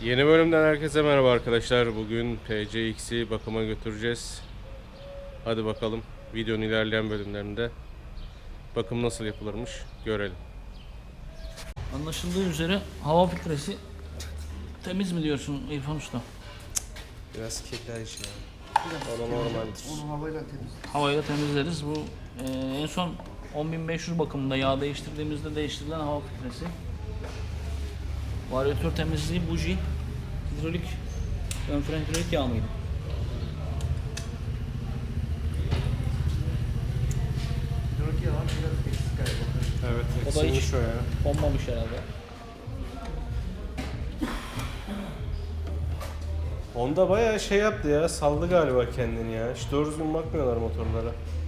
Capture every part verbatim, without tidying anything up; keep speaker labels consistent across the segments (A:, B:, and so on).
A: Yeni bölümden herkese merhaba arkadaşlar. Bugün P C X'i bakıma götüreceğiz. Hadi bakalım videonun ilerleyen bölümlerinde bakım nasıl yapılırmış görelim.
B: Anlaşıldığı üzere hava filtresi temiz mi diyorsun İrfan Usta?
A: Biraz kirli iş ya. O da normaldir.
C: Onu havayla temiz.
B: Havayla temizleriz. Bu e, en son on bin beş yüz bakımında yağ değiştirdiğimizde değiştirilen hava filtresi. Varyatör temizliği buji, hidrolik, ön fren hidrolik yağ mıydı?
C: Hidrolik yağı var, biraz eksik galiba.
A: Evet,
B: O da hiç
A: eksilmiş o ya.
B: konmamış herhalde.
A: Honda bayağı şey yaptı ya, saldı galiba kendini ya. Hiç doğru düzgün bakmıyorlar motorlara.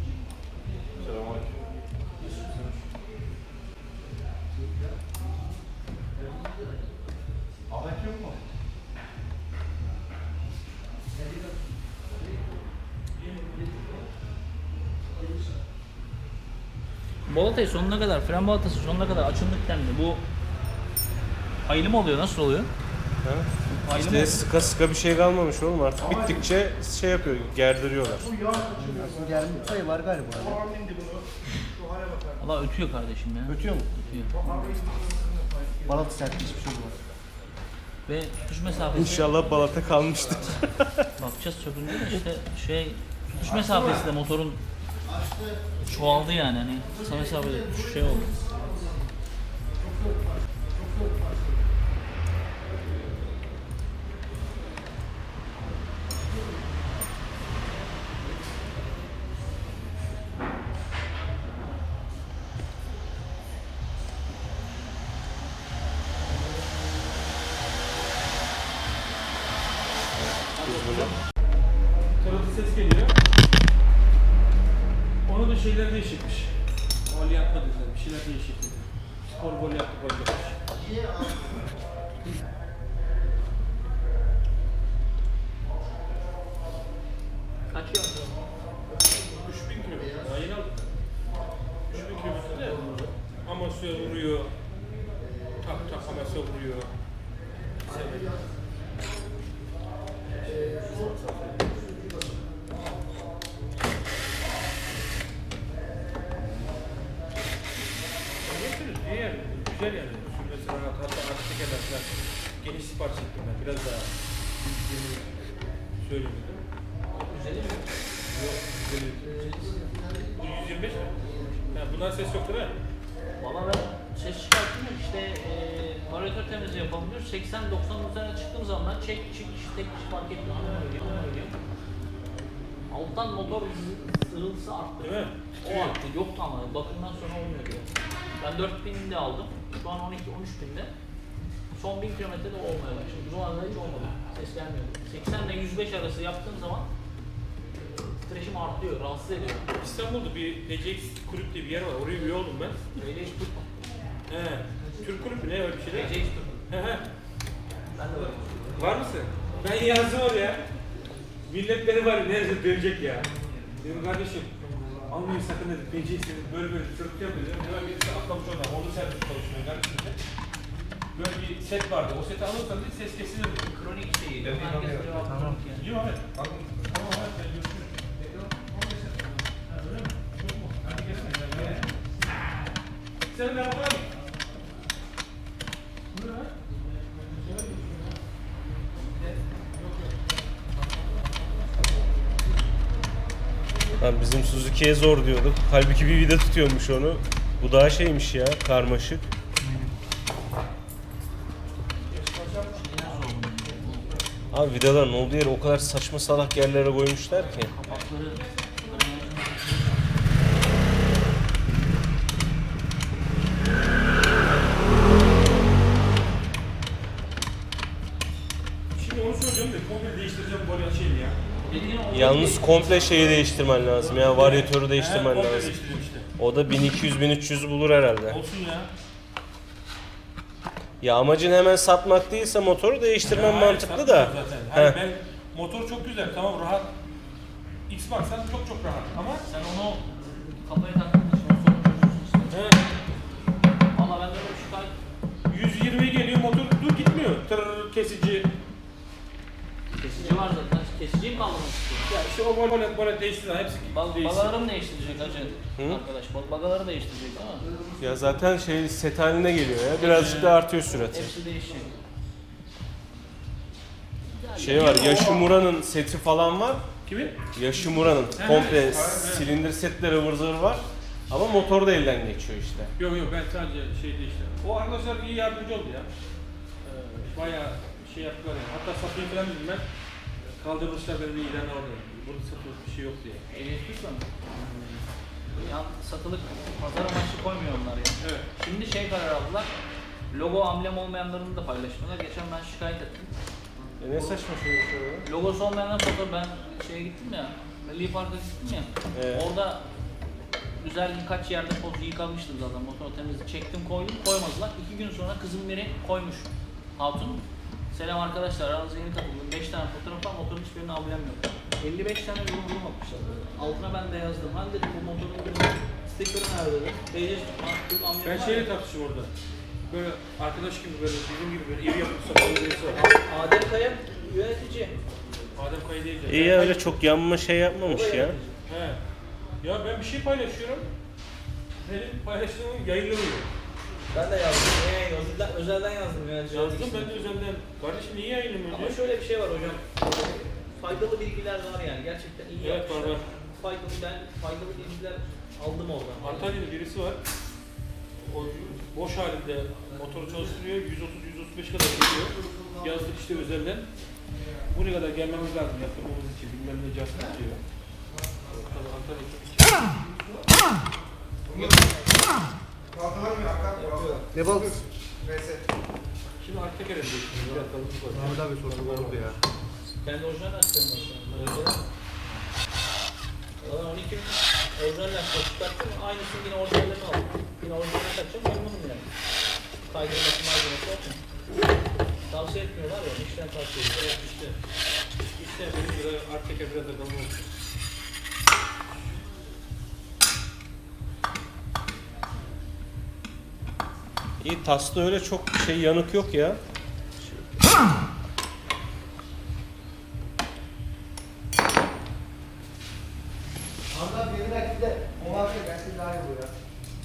B: Balatayı sonuna kadar, fren balatası sonuna kadar açıldık dendi. Bu hayli mi oluyor? Nasıl oluyor?
A: Ha?
B: Hayli mi
A: İşte
B: oluyor?
A: sıka sıka bir şey kalmamış oğlum, artık bittikçe şey yapıyor, gerdiriyorlar.
C: Aslında gelmiş sayı var galiba.
B: Allah ötüyor kardeşim ya.
C: Ötüyor mu?
B: Ötüyor.
C: Balatı sert hiçbir şey olmaz.
B: Ve tutuş mesafesi...
A: İnşallah balata kalmıştır.
B: Bakacağız sökünce de işte şey tutuş mesafesi de motorun çoğaldı yani hani kısa mesafede tutuş şey oldu.
D: Tırıltı ses geliyor. Onu da şeyler değişikmiş. Gol yapma dediler, bir şeyler değişik dedi. Spor gol yaptı, gol yapmış.
B: Kaç yıl?
D: üç bin kilometre, daha yeni aldık. üç bin kilometre de Amasya'ya vuruyor. Tak tak Amasya vuruyor. Anlatırız, iyi yani, güzel yani. Sürmesi rahat, hatta arka tekerler falan geniş sipariş ettim ben, biraz daha yeni söylemedim.
B: Güzeli mi?
D: Yok, güzel. Bu yüz yirmi beş mi? Ha, bundan ses yoktur ha?
B: Valla ben ses çıkarttım da işte e, varyatör temizliği yapalım diyor. seksen doksan üzerine çıktığım zaman ben çek çık tek kişi fark etmiyor. Öyle. Alttan motor sırıltısı arttı.
D: Değil mi?
B: O arttı. Yoktu ama bakımdan sonra olmuyor diyor. Ben dört binde aldım. Şu an on iki on üç binde. Son bin kilometrede olmaya başladı. Bu arada hiç olmadı. Ses gelmiyordu. seksen ile yüz beş arası yaptığım zaman titreşim artıyor, rahatsız ediyor.
D: İstanbul'da bir P C X kulüp diye bir yer var. Oraya üye oldum ben.
B: Öyle hiç tutma.
D: He. Türk kulübü ne öyle bir şey
B: P
D: değil
B: C
D: mi?
B: X tutma.
D: He he.
B: Ben de varım.
D: Var mısın? Ben yazdım oraya. Millet beni var ya nerede dövecek ya. Dedim kardeşim almayın sakın dedim. P C X dedim böyle böyle sürteceğim dedim. Hemen birisi atlamış oradan. Orada servis çalışmıyor kardeşim de. Böyle bir set vardı. O seti alırsan dedi ses kesilir dedi.
B: Kronik şeyi. Herkes cevap tamam. Yani.
D: Yok evet. Tamam evet. Ben görüşürüz. Ha, öyle mi? Çok mu? Hadi gelsin. Sen ne yapalım?
A: Lan bizim Suzuki'ye zor diyorduk. Halbuki bir vida tutuyormuş onu. Bu daha şeymiş ya, karmaşık. Abi vidaların olduğu yere o kadar saçma salak yerlere koymuşlar ki.
B: Kapakları
D: Şimdi onu söyleyeceğim de komple değiştireceğim bu şeyini ya.
B: dediğin o
A: Yalnız komple şeyi değiştirmen lazım ya, varyatörü
D: He,
A: değiştirmen
D: komple
A: lazım.
D: değiştireceğim işte.
A: O da bin iki yüz bin üç yüz bulur herhalde.
D: Olsun ya.
A: Ya amacın hemen satmak değilse motoru değiştirmen
D: Ya,
A: mantıklı
D: hayır,
A: da.
D: satmıyorum zaten. Hani
A: Heh.
D: ben motor çok güzel, tamam rahat. X-Max'tan çok çok rahat ama
B: sen onu kafaya taktığın için o sorun çözüyorsun işte.
D: he,
B: Valla bende böyle şikayet
D: yüz yirmi geliyor motor dur gitmiyor. Tır kesici
B: kesici var zaten. Kesiciyi mi kaldırmak istiyorsun?
D: Ya işte o böyle böyle değiştiler. Hepsi
B: Bag
D: değişti.
B: bagaları mı değiştirecek hacı?
A: Hı?
B: Arkadaş bag bagaları değiştirecek değil mi?
A: Ya zaten şey set haline geliyor ya. Birazcık da artıyor sürati.
B: Hepsi değişecek.
A: Şey var, Yoshimura'nın seti falan var.
D: Kimi?
A: Yoshimura'nın
D: Evet,
A: komple
D: evet.
A: silindir setleri ıvır zıvır var. Ama motor da elden geçiyor işte.
D: Yok yok ben sadece şey değişti. O arkadaşlar iyi yardımcı oldu ya. Ee, bayağı şey yaptılar yani. Hatta satayım falan dedim ben. Kaldırmışlar benim ilanı orada. Burada satılık bir şey yok diye.
B: Ehliyetli mi? Yan satılık pazar amaçlı koymuyor onlar ya.
D: Evet.
B: Şimdi şey karar aldılar. Logo amblem olmayanlarını da paylaşmıyorlar. Geçen ben şikayet ettim.
A: E ne saçma şey yapıyor.
B: Logosu olmayanlar fotoğraf ben şeye gittim ya. Milli Park'a gittim ya.
A: Evet.
B: Orada güzel birkaç yerde poz yıkamıştım zaten motor temizlik çektim koydum koymadılar. İki gün sonra kızım biri koymuş. Hatun. Selam arkadaşlar aranıza yeni katıldım. beş tane fotoğraf var motorun hiçbirinin amblem yok. elli beş tane yorum yorum atmışlar. Altına ben de yazdım. Hani dedim bu motorun sticker'ı nerede dedim. Beyce amblem
D: Ben
B: var
D: şeyle
B: ya.
D: tartıştım orada. Böyle arkadaş gibi böyle bizim gibi böyle iri yapıp sakalı birisi var.
B: Adem Kaya yönetici.
D: Adem Kaya değil de.
A: İyi ya, öyle çok yanma şey yapmamış ya.
D: He. Ya ben bir şey paylaşıyorum. Benim paylaştığım yayınlanıyor.
B: Ben de yazdım. Niye yayın? Özelden, özelden yazdım yani.
D: Yazdım ben de özelden. Kardeşim niye yayınlamıyor
B: Ama
D: diye.
B: şöyle bir şey var hocam. Faydalı bilgiler var yani. Gerçekten iyi
D: Evet,
B: yapmışlar.
D: var, var.
B: Faydalı, ben faydalı bilgiler aldım oradan.
D: Antalya'da birisi var. O boş halinde motoru çalıştırıyor. yüz otuz yüz otuz beş kadar geliyor. Yazdık işte özelden. Buraya kadar gelmemiz lazım yaptırmamız için. Bilmem ne cihazı diyor. Tabii Antalya'da çok iyi.
C: Ne balık?
D: Şimdi arka kere değiştiriyor.
C: Ahmet abi sorun oldu ya.
B: Ben de orijinal açtım mesela. Valla on iki bin orijinal açtım. Çıkarttım. Aynısını yine orijinallerini aldım. Yine orijinalini takacağım. Memnunum yani. Kaydırması malzemesi yok mu? Tavsiye etmiyorlar ya. İşten tavsiye ediyorlar.
D: Evet işte. İşte benim biraz arka kere biraz da kalın olsun.
A: İyi, Tas'ta öyle çok şey yanık yok ya.
C: Ahmet abi yeni belki de o abi gelsin daha iyi bu ya.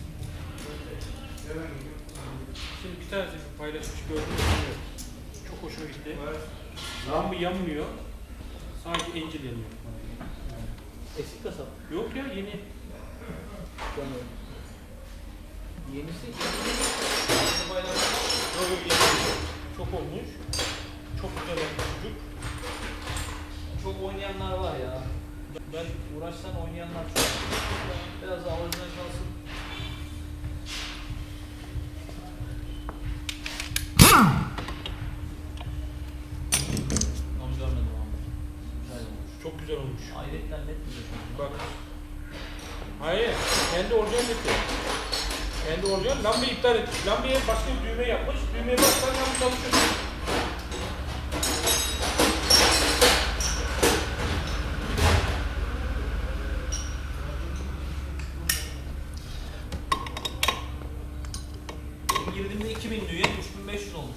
D: Şimdi bir tanesi paylaşmış gördüm. Bilmiyorum. Çok hoşuma gitti. Lamba yanmıyor. Sadece encil yanıyor.
B: Eski kasap.
D: Yok ya yeni.
B: Sanıyorum. Yenisi.
D: Yok yok yeni. Çok olmuş. Çok güzel olmuş çocuk.
B: Çok oynayanlar var ya. Ben uğraşsan oynayanlar çok. Biraz daha orijinal kalsın. Onu görmedim ama. Güzel olmuş.
D: Çok güzel olmuş.
B: Hayretten net mi diyorsun?
D: Bak. Hayır. Kendi orijinal etti. Kendi orijinal. Lambayı iptal etmiş. Lambaya başka bir düğme yapmış. Düğmeye bastan lamba çalışıyor.
B: Girdiğimde iki bin diyor, üç bin beş yüz olmuş.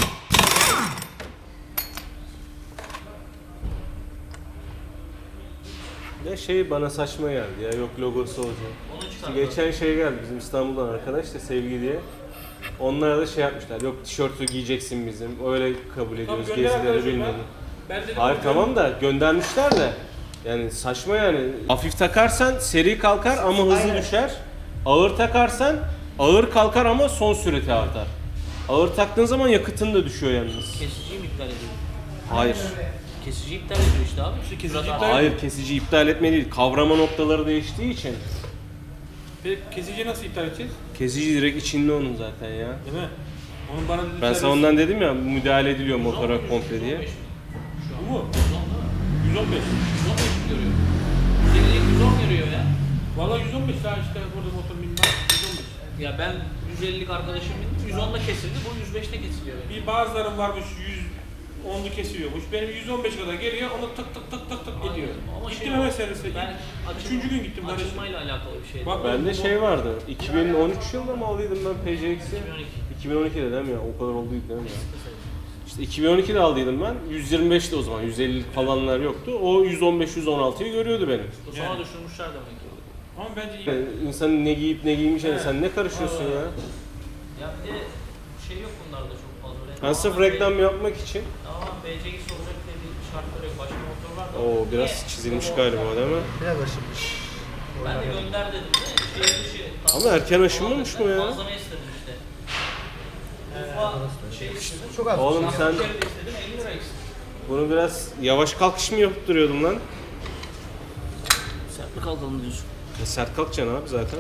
A: Ne şey bana saçma geldi ya, yok logosu olacak.
B: Onu
A: İşte
B: çıkardım.
A: geçen şey geldi bizim İstanbul'dan arkadaş da Sevgi diye. Onlara da şey yapmışlar, yok tişörtü giyeceksin bizim, öyle kabul ediyoruz
D: gönder
A: gezileri
D: arkadaşım
A: bilmem.
D: Ben dedim
A: Hayır
D: bu-
A: tamam da göndermişler de yani saçma yani. Hafif takarsan seri kalkar ama hızlı
C: Aynen.
A: düşer. Ağır takarsan ağır kalkar ama son süreti artar. Ağır taktığın zaman yakıtın da düşüyor yalnız.
B: Kesiciyi mi iptal ediyor?
A: Hayır.
B: Kesiciyi iptal ediyor işte abi.
D: kesici
B: Şurada-
D: iptal-
A: Hayır, kesici iptal etme değil. Kavrama noktaları değiştiği için.
D: Peki kesiciyi nasıl iptal edeceğiz?
A: Kesici direkt içinde onun zaten ya.
D: Değil mi? Onun bana dediği
A: Ben sana ondan dedim ya, müdahale ediliyor motora komple diye.
D: Bu mu? yüz on beş.
B: yüz on beş görüyor. yüz elli yüz on görüyor ya.
D: Valla yüz on beş daha işte burada motor bilmem. yüz on beş.
B: Ya ben yüz ellilik arkadaşım bindim. yüz onda kesildi. Bu yüz beşte kesiliyor. Yani.
D: Bir bazıların varmış yüz onlu kesiliyormuş. Benim yüz on beş kadar geliyor, onu tık tık tık tık tık ediyor.
B: Ama
D: Gittim
B: şey-
D: hemen servise.
B: Ben açılma-
D: Üçüncü gün gittim kardeşim.
B: Açılmayla alakalı bir şey.
D: Bak,
A: Bende şey vardı, iki bin on üç yılında mı aldıydım ben P C X'i?
B: iki bin on iki.
A: iki bin on ikide değil mi ya? O kadar olduydu değil mi ya? İşte İşte iki bin on ikide aldıydım ben. yüz yirmi beşti o zaman. yüz elli falanlar yoktu. O yüz on beş yüz on altıyı görüyordu benim.
B: Bu sonra
D: Yani.
B: düşürmüşler demek ki.
D: Ama bence iyi.
A: Yani insanın ne giyip ne giymeyeceğine
D: Evet.
A: sen ne karışıyorsun ya?
B: Ya bir de şey yok bunlarda çok fazla. Öyle
A: Ben sırf
B: tamamen
A: reklam yapmak için.
B: Tamam B C X olacak diye bir şartları yok. Başka motorlar da
A: Oo
B: var.
A: biraz
B: Niye?
A: çizilmiş
B: Yok,
A: galiba değil mi?
C: Biraz aşınmış.
B: Ben de gönder dedim de şehir dışı.
A: Ama erken aşınmamış mı ya?
B: Malzeme istedim işte. Ufa şey istedim.
C: Çok az.
A: Oğlum
B: Şarkı
A: sen
B: içeri de istedim elli lira istedim.
A: bunu biraz yavaş kalkış mı yaptırıyordun lan?
B: Sert mi kalkalım diyorsun?
A: Ya sert kalkacaksın abi zaten.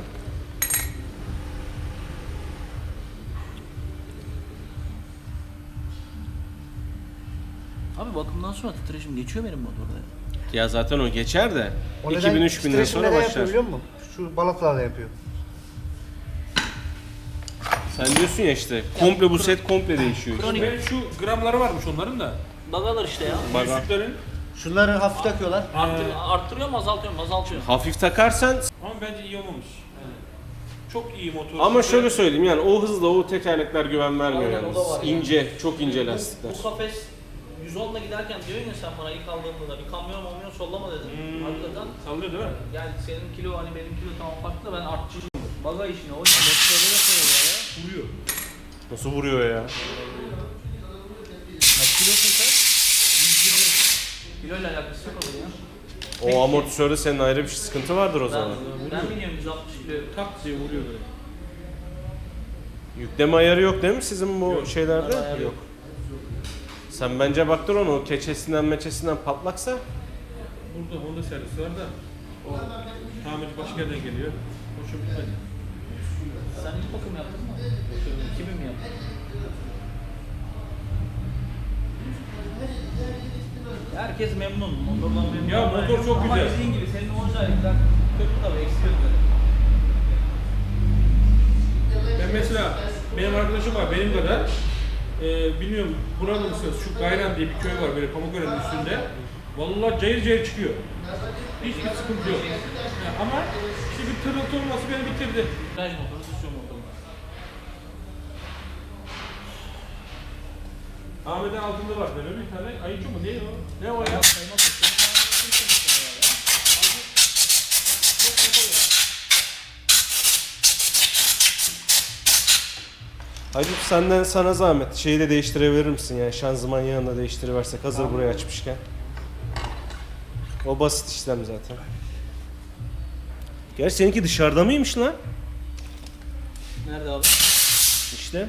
B: Abi bakımdan sonra titreşim geçiyor benim motorda.
A: Ya zaten o geçer de
C: O
A: iki bin üç binden
C: titreşimleri
A: sonra
C: yapıyor
A: başlar.
C: biliyor musun? Şu balıklarla yapıyor.
A: Sen diyorsun ya işte komple bu set komple değişiyor işte.
B: Kronik.
D: Ve şu gramları varmış onların da.
B: Bagalar işte ya.
A: Baga.
D: Yüzüklerin.
C: Şunları hafif takıyorlar.
B: Arttır, arttırıyor mu azaltıyor mu? Azaltıyor.
A: Hafif takarsan
D: Ama bence iyi olmamış. Yani çok iyi motor.
A: ama şöyle söyleyeyim yani o hızla o tekerlekler güven vermiyor
B: Aynen, o
A: yalnız.
B: da var yani.
A: İnce, çok ince
B: Bu-
A: lastikler.
B: Bu kafes yüz onla giderken diyorsun ya sen bana ilk aldığında da bir kamyon olmuyor sollama dedin.
D: Hmm.
B: Hakikaten
D: Sallıyor değil mi?
B: yani senin kilo hani benim kilo tamam farklı da ben artçıyım. Baga işine o
D: Vuruyor.
A: Nasıl vuruyor ya?
B: Kaç kilosun sen? Kilo ile alakası yok onun ya.
A: O amortisörde senin ayrı bir sıkıntı vardır o
B: Ben,
A: zaman.
B: ben biniyorum yüz altmış kilo.
D: Tak diye vuruyor böyle.
A: Yükleme ayarı yok değil mi sizin bu
D: Yok,
A: şeylerde?
B: ayarı yok.
A: Sen bence baktır onu o keçesinden meçesinden patlaksa
D: Burada Honda servisi var da o tamirci başka yerden geliyor. Hoşum bitmedi.
B: Sen ilk bakım yaptın mı? iki bin mi yaptın? Herkes memnun. Motordan memnun.
D: Ya
B: Ama-
D: motor çok
B: ama
D: güzel.
B: dediğin gibi senin orijinallikler kötü tabii eksik böyle.
D: Ben mesela benim arkadaşım var benim kadar. Ee, bilmiyorum burada mısınız? Şu Gayran diye bir köy var böyle Pamukören'in üstünde. Vallahi cayır cayır çıkıyor. Hiçbir sıkıntı yok. Ya ama işte bir tırıltı olması beni bitirdi.
B: Viraj motoru, süsyon motoru.
D: Ahmet'in altında var böyle bir tane ayıcı mı? Ne o? Ne o ya?
B: Kaymak motoru.
A: Hacı senden sana zahmet şeyi de değiştirebilir misin yani şanzıman yağını da değiştiriversek hazır buraya açmışken. O basit işlem zaten. Gerçi seninki dışarıda mıymış lan?
B: Nerede abi?
A: İşte.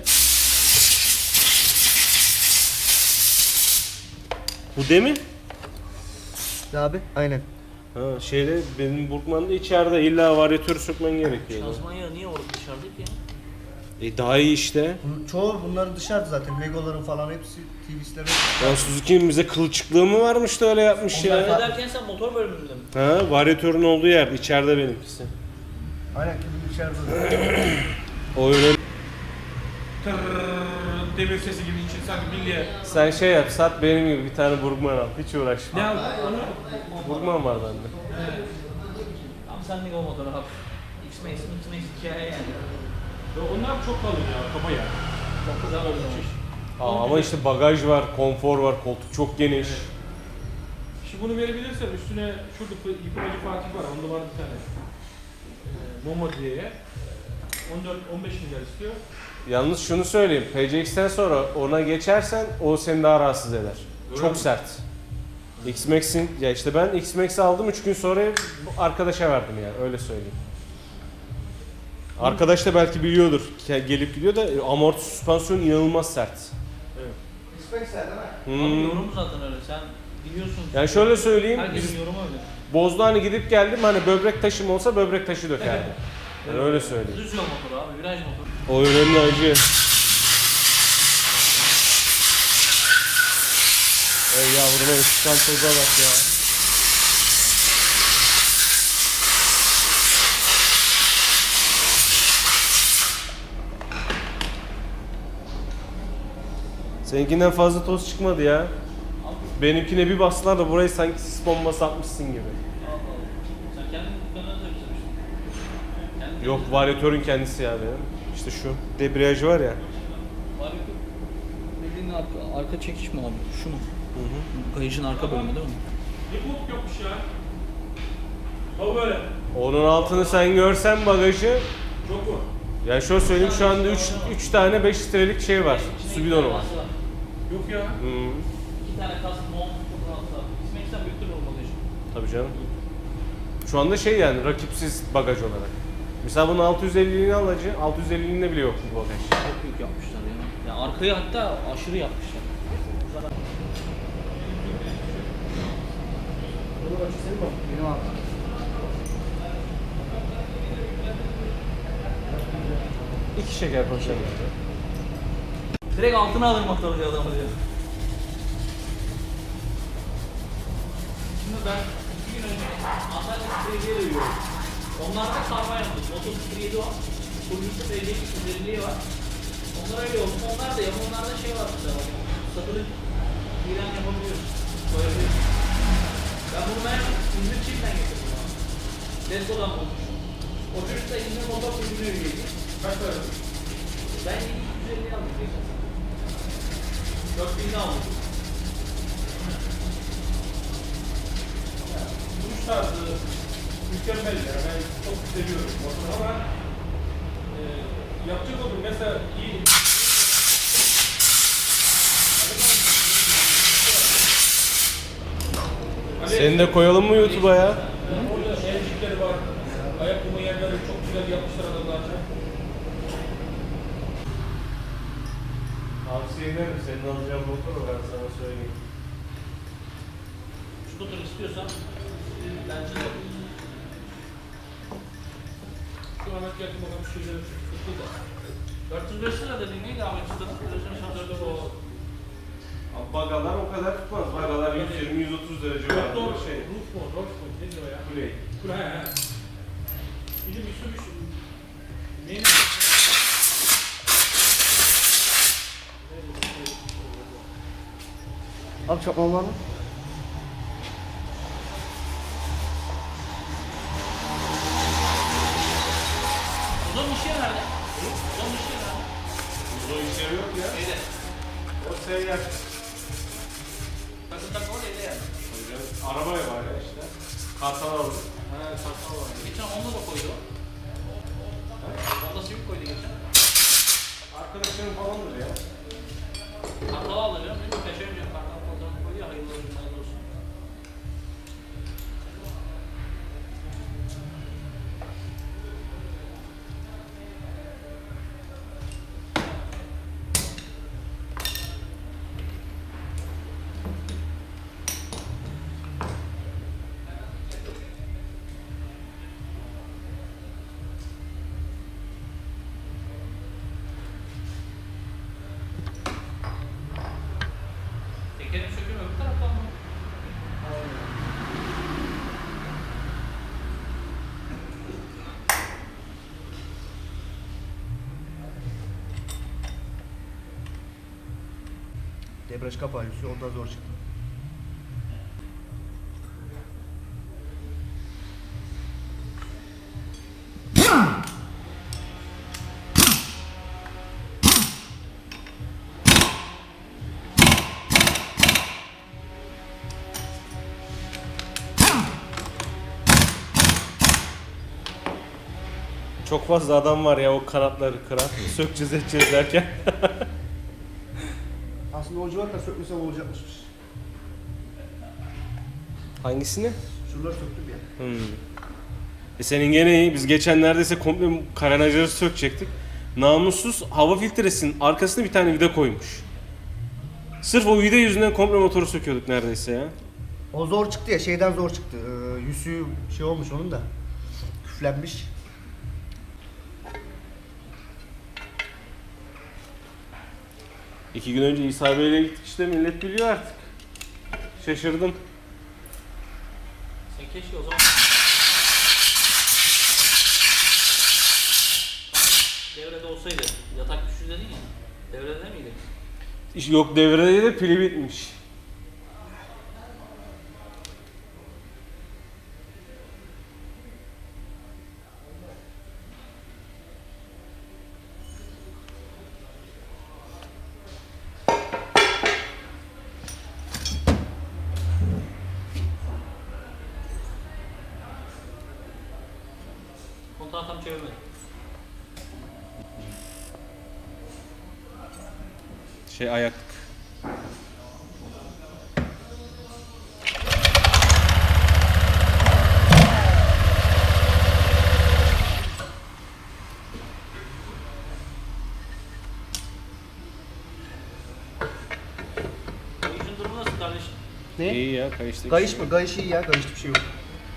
A: Bu demin?
C: Abi aynen.
A: Ha şeyde benim Burkman'da içeride illa varyatörü sökmen gerekiyor.
B: Şanzıman yağı niye orada dışarıda ki?
A: E daha iyi işte.
C: Bunun, çoğu bunların dışarıda zaten. Legoların falan hepsi T V'sleri.
A: Ya Suzuki'nin bize kılçıklığı mı varmış da öyle yapmış
B: Onlar
A: ya.
B: ederken sen motor bölümünde mi?
A: Ha varyatörün olduğu yer içeride benimkisi.
C: Aynen ki bunun içeride.
A: O öyle.
D: Tırrrr demir sesi gibi için sanki bilye.
A: Sen şey yap sat benim gibi bir tane Burkman al. Hiç uğraşma.
D: Ne aldın onu?
A: Burkman var bende.
B: Tam senlik o motor abi. X-Max, X-Max hikaye yani.
D: Ya onlar çok kalın ya kaba ya.
B: Çok güzel olmuş.
A: Aa, ama işte bagaj var, konfor var, koltuk çok geniş.
D: Şimdi bunu verebilirsen üstüne şurada yıkamacı Fatih var. Onda var bir tane. Ee, Momo diye. on dört on beş milyar istiyor.
A: Yalnız şunu söyleyeyim, P C X'ten sonra ona geçersen o seni daha rahatsız eder.
D: Öyle
A: Çok
D: mi?
A: sert. X-Max'in, ya işte ben X-Max'i aldım üç gün sonra bu arkadaşa verdim yani öyle söyleyeyim. Arkadaş da belki biliyordur, ke- gelip gidiyor da amorti süspansiyon inanılmaz sert.
C: İspeksler değil mi?
B: Abi
A: Hmm.
B: yorum zaten öyle. Sen biliyorsun.
A: Yani şöyle söyleyeyim,
B: Herkesin
A: biz
B: yorumu öyle.
A: Bozda hani gidip geldim hani böbrek taşım olsa böbrek taşı dökerdi. Yani öyle söyleyeyim.
B: Düz yol motoru abi, viraj motoru.
A: O önemli acı. Ey yavruma çıkan toza bak ya. Seninkinden fazla toz çıkmadı ya. Benimkine bir bastılar da burayı sanki sis bombası atmışsın gibi.
B: Allah Allah. Sen kendin dükkanına da bitirmiştin. Kendin
A: Yok varyatörün kendisi ya benim. İşte şu debriyajı var ya.
B: Var yok. Bildiğin dediğin arka, arka çekiş mi abi? Şu mu? Hı hı. Kayışın arka bölümü değil mi?
D: Bir bok yokmuş ya. O böyle.
A: Onun altını sen görsen bagajı.
D: Çok mu?
A: Ya şöyle söyleyeyim, şu anda üç tane beş litrelik şey var. Su bidonu var.
D: Yok ya.
A: Hı.
B: İki tane kas, mont, çok rahat abi. İsmeksen büyüktür o bagajı.
A: Tabii canım. Şu anda şey yani rakipsiz bagaj olarak. Mesela bunun altı yüz elliliğini alacaksın, altı yüz elliliğinde bile yok bu bagaj.
B: Çok büyük yapmışlar ya. Ya arkayı hatta aşırı yapmışlar.
C: Benim abi.
A: İki şeker poşeti.
B: Direkt altına alır motorcu adamı diyor. Şimdi ben iki gün önce Antalya Sprey'e dövüyorum. Onlarda sarma yaptık. Motor Sprey'de var. Kuruluşta belediye güzelliği var. Onlar öyle oldu. Onlar da yok. Onlarda şey var mesela. Satılık ilan yapabiliyoruz. Koyabiliyoruz. Ben bunu ben İzmir Çift'ten getirdim abi. Tesla'dan bulmuşum. O çocuk da İzmir motor kulübüne üyeydi.
D: Kaç para?
B: Ben yedi yüz elli aldım geçen sene. dört binde aldım.
D: Duruş tarzı mükemmel ya. Ben çok seviyorum motoru ama e, yapacak olur mesela iyi.
A: Seni de koyalım mı YouTube'a ya?
D: Orada evcikleri var. Ayakkabı yerleri çok güzel yapmışlar adamlarca.
A: Tavsiye ederim, senin alacağın motoru ben sana söyleyeyim.
B: Scooter istiyorsan bence de
D: Şu an yakın bakalım şeyleri tuttu da.
B: dört yüz beş lira dediğin neydi Ahmet Usta'nın? Televizyonu şarjörde bu.
A: Abi bagalar o kadar tutmaz. Bagalar yüz yirmi yüz otuz derece var.
D: Doğru
A: Şey.
D: Roof mu? Roof mu? Ne diyor ya?
A: Kuley.
D: Kule he he. Bir de bir sürü şey. Neyin?
C: Abi çakmam var mı?
B: Uzun işi nerede? Uzun işi nerede?
A: Uzun işleri yok ya.
B: Şeyde.
A: O seyyar.
B: Takım takım orada yani.
A: Tabii canım. Arabaya var ya işte. Kartal aldı.
B: Ha, takım var. Geçen onda da koydu o. Onda Civic koydu geçen.
A: Arkadaşlarım falandır ya.
B: Kartal aldı biliyor musun? Peşemiyor. Kartal fotoğrafı koydu ya. Hayırlı olsun, hayırlı olsun. Tekerin sökümü öbür taraftan mı?
C: Debriyaj kapağı yüzü ondan zor çıktı.
A: Çok fazla adam var ya o kanatları kıran. Sökeceğiz edeceğiz derken.
C: Aslında o civarda sökmesem olacakmış.
A: Hangisini?
C: Şuraları söktüm ya.
A: Hmm. E senin gene iyi. Biz geçen neredeyse komple karenajları sökecektik. Namussuz hava filtresinin arkasına bir tane vida koymuş. Sırf o vida yüzünden komple motoru söküyorduk neredeyse ya.
C: O zor çıktı ya, şeyden zor çıktı. Ee, yüzüğü şey olmuş onun da. Küflenmiş.
A: İki gün önce İsa Bey'le gittik işte, millet biliyor artık. Şaşırdım.
B: Sen keşke o zaman... Devrede olsaydı, yatak düştü dedin ya, devrede miydi?
A: İş- Yok, devrede de pili bitmiş.
B: Kontağı tam çevirmedim.
A: Şey ayaklık.
B: Kayışın durumu nasıl kardeşim?
C: Ne?
A: İyi ya kayıştaki.
C: Kayış mı? Kayış iyi ya. Kayışta bir şey yok.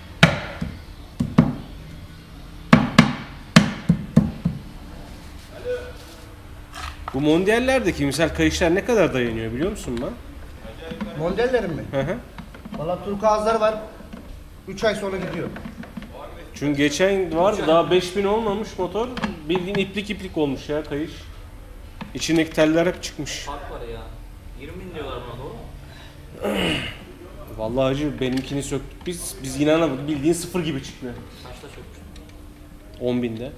A: Bu mondiallerdeki misal kayışlar ne kadar dayanıyor biliyor musun lan?
C: Modellerin mi?
A: Hı hı.
C: Valla turkuazları var. üç ay sonra gidiyor.
A: Çünkü geçen vardı daha beş bin olmamış motor. Bildiğin iplik iplik olmuş ya kayış. İçindeki teller hep çıkmış.
B: Fark var ya. yirmi bin diyorlar buna, doğru mu?
A: Vallahi hacı benimkini söktük biz. Biz inanamadık. Bildiğin sıfır gibi çıktı.
B: Kaçta sökmüştün?
A: on binde.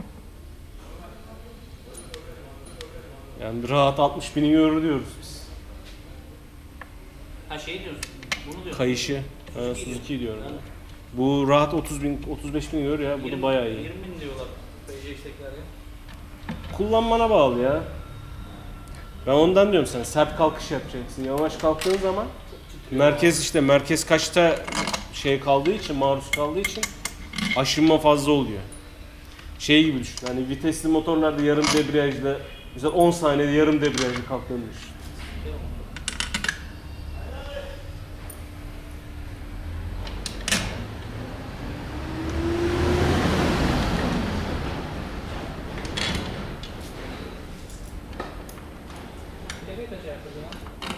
A: Yani rahat altmış bini görür diyoruz biz.
B: Ha şey diyorsun, bunu diyorsun.
A: Kayışı. Ha,
B: Suzuki
A: Suzuki diyorum.
B: Ha.
A: Bu rahat otuz bin, otuz beş bin görüyor ya. Bu da
B: yirmi
A: bayağı iyi.
B: yirmi bin diyorlar P C X'tekiler ya.
A: Kullanmana bağlı ya. Ben ondan diyorum sana sert kalkış yapacaksın. Yavaş kalktığın zaman merkez işte merkez kaçta şey kaldığı için maruz kaldığı için aşınma fazla oluyor. Şey gibi düşün. Hani vitesli motorlarda yarım debriyajla mesela on saniyede yarım debriyajla kalktığını düşün.
B: Değil mi? Tepeye kaç ayakkabı lan?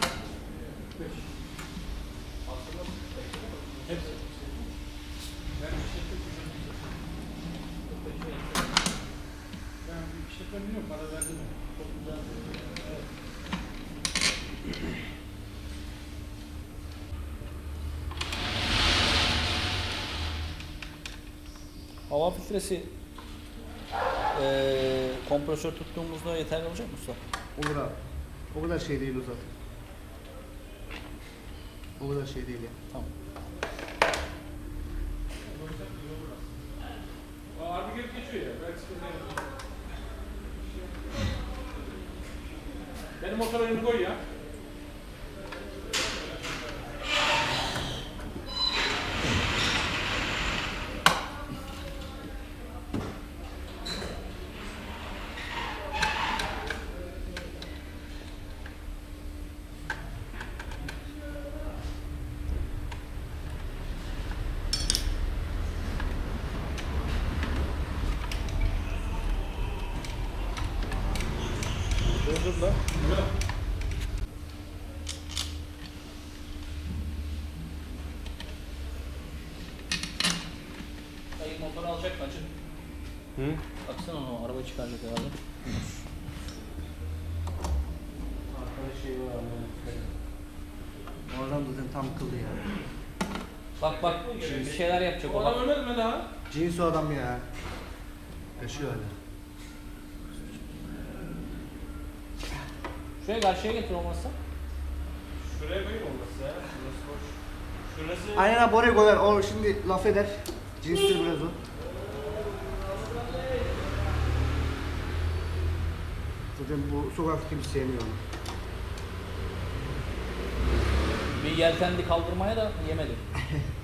B: Hava filtresi eee kompresör tuttuğumuzda yeterli olacak mı usta?
C: Olur abi. O kadar şey değil o zaten. O kadar şey değil ya.
B: Tamam.
D: Abi gelip geçiyor ya. Belki sıkıntı yok. Benim motora önünü koy ya.
A: Dur lan.
B: Hayır, motoru alacak mı acı?
A: Hı?
B: Baksana onu, araba çıkaracak herhalde.
A: Arkada şey var abi.
C: Oradan zaten tam kıldı ya.
B: Bak bak, bir şeyler yapacak
D: O
B: o
D: adam
B: bak.
D: ölmedi mi daha?
C: Cins o adam ya. Yaşıyor hala.
B: Şuraya karşıya getir olmazsa.
A: Şuraya koyayım olması ya. Şurası boş. Şurası
C: Aynen abi oraya koyar. O şimdi laf eder. Cinstir biraz o. Zaten bu sokak kimse sevmiyor onu.
B: Bir yeltendi kaldırmaya da yemedi.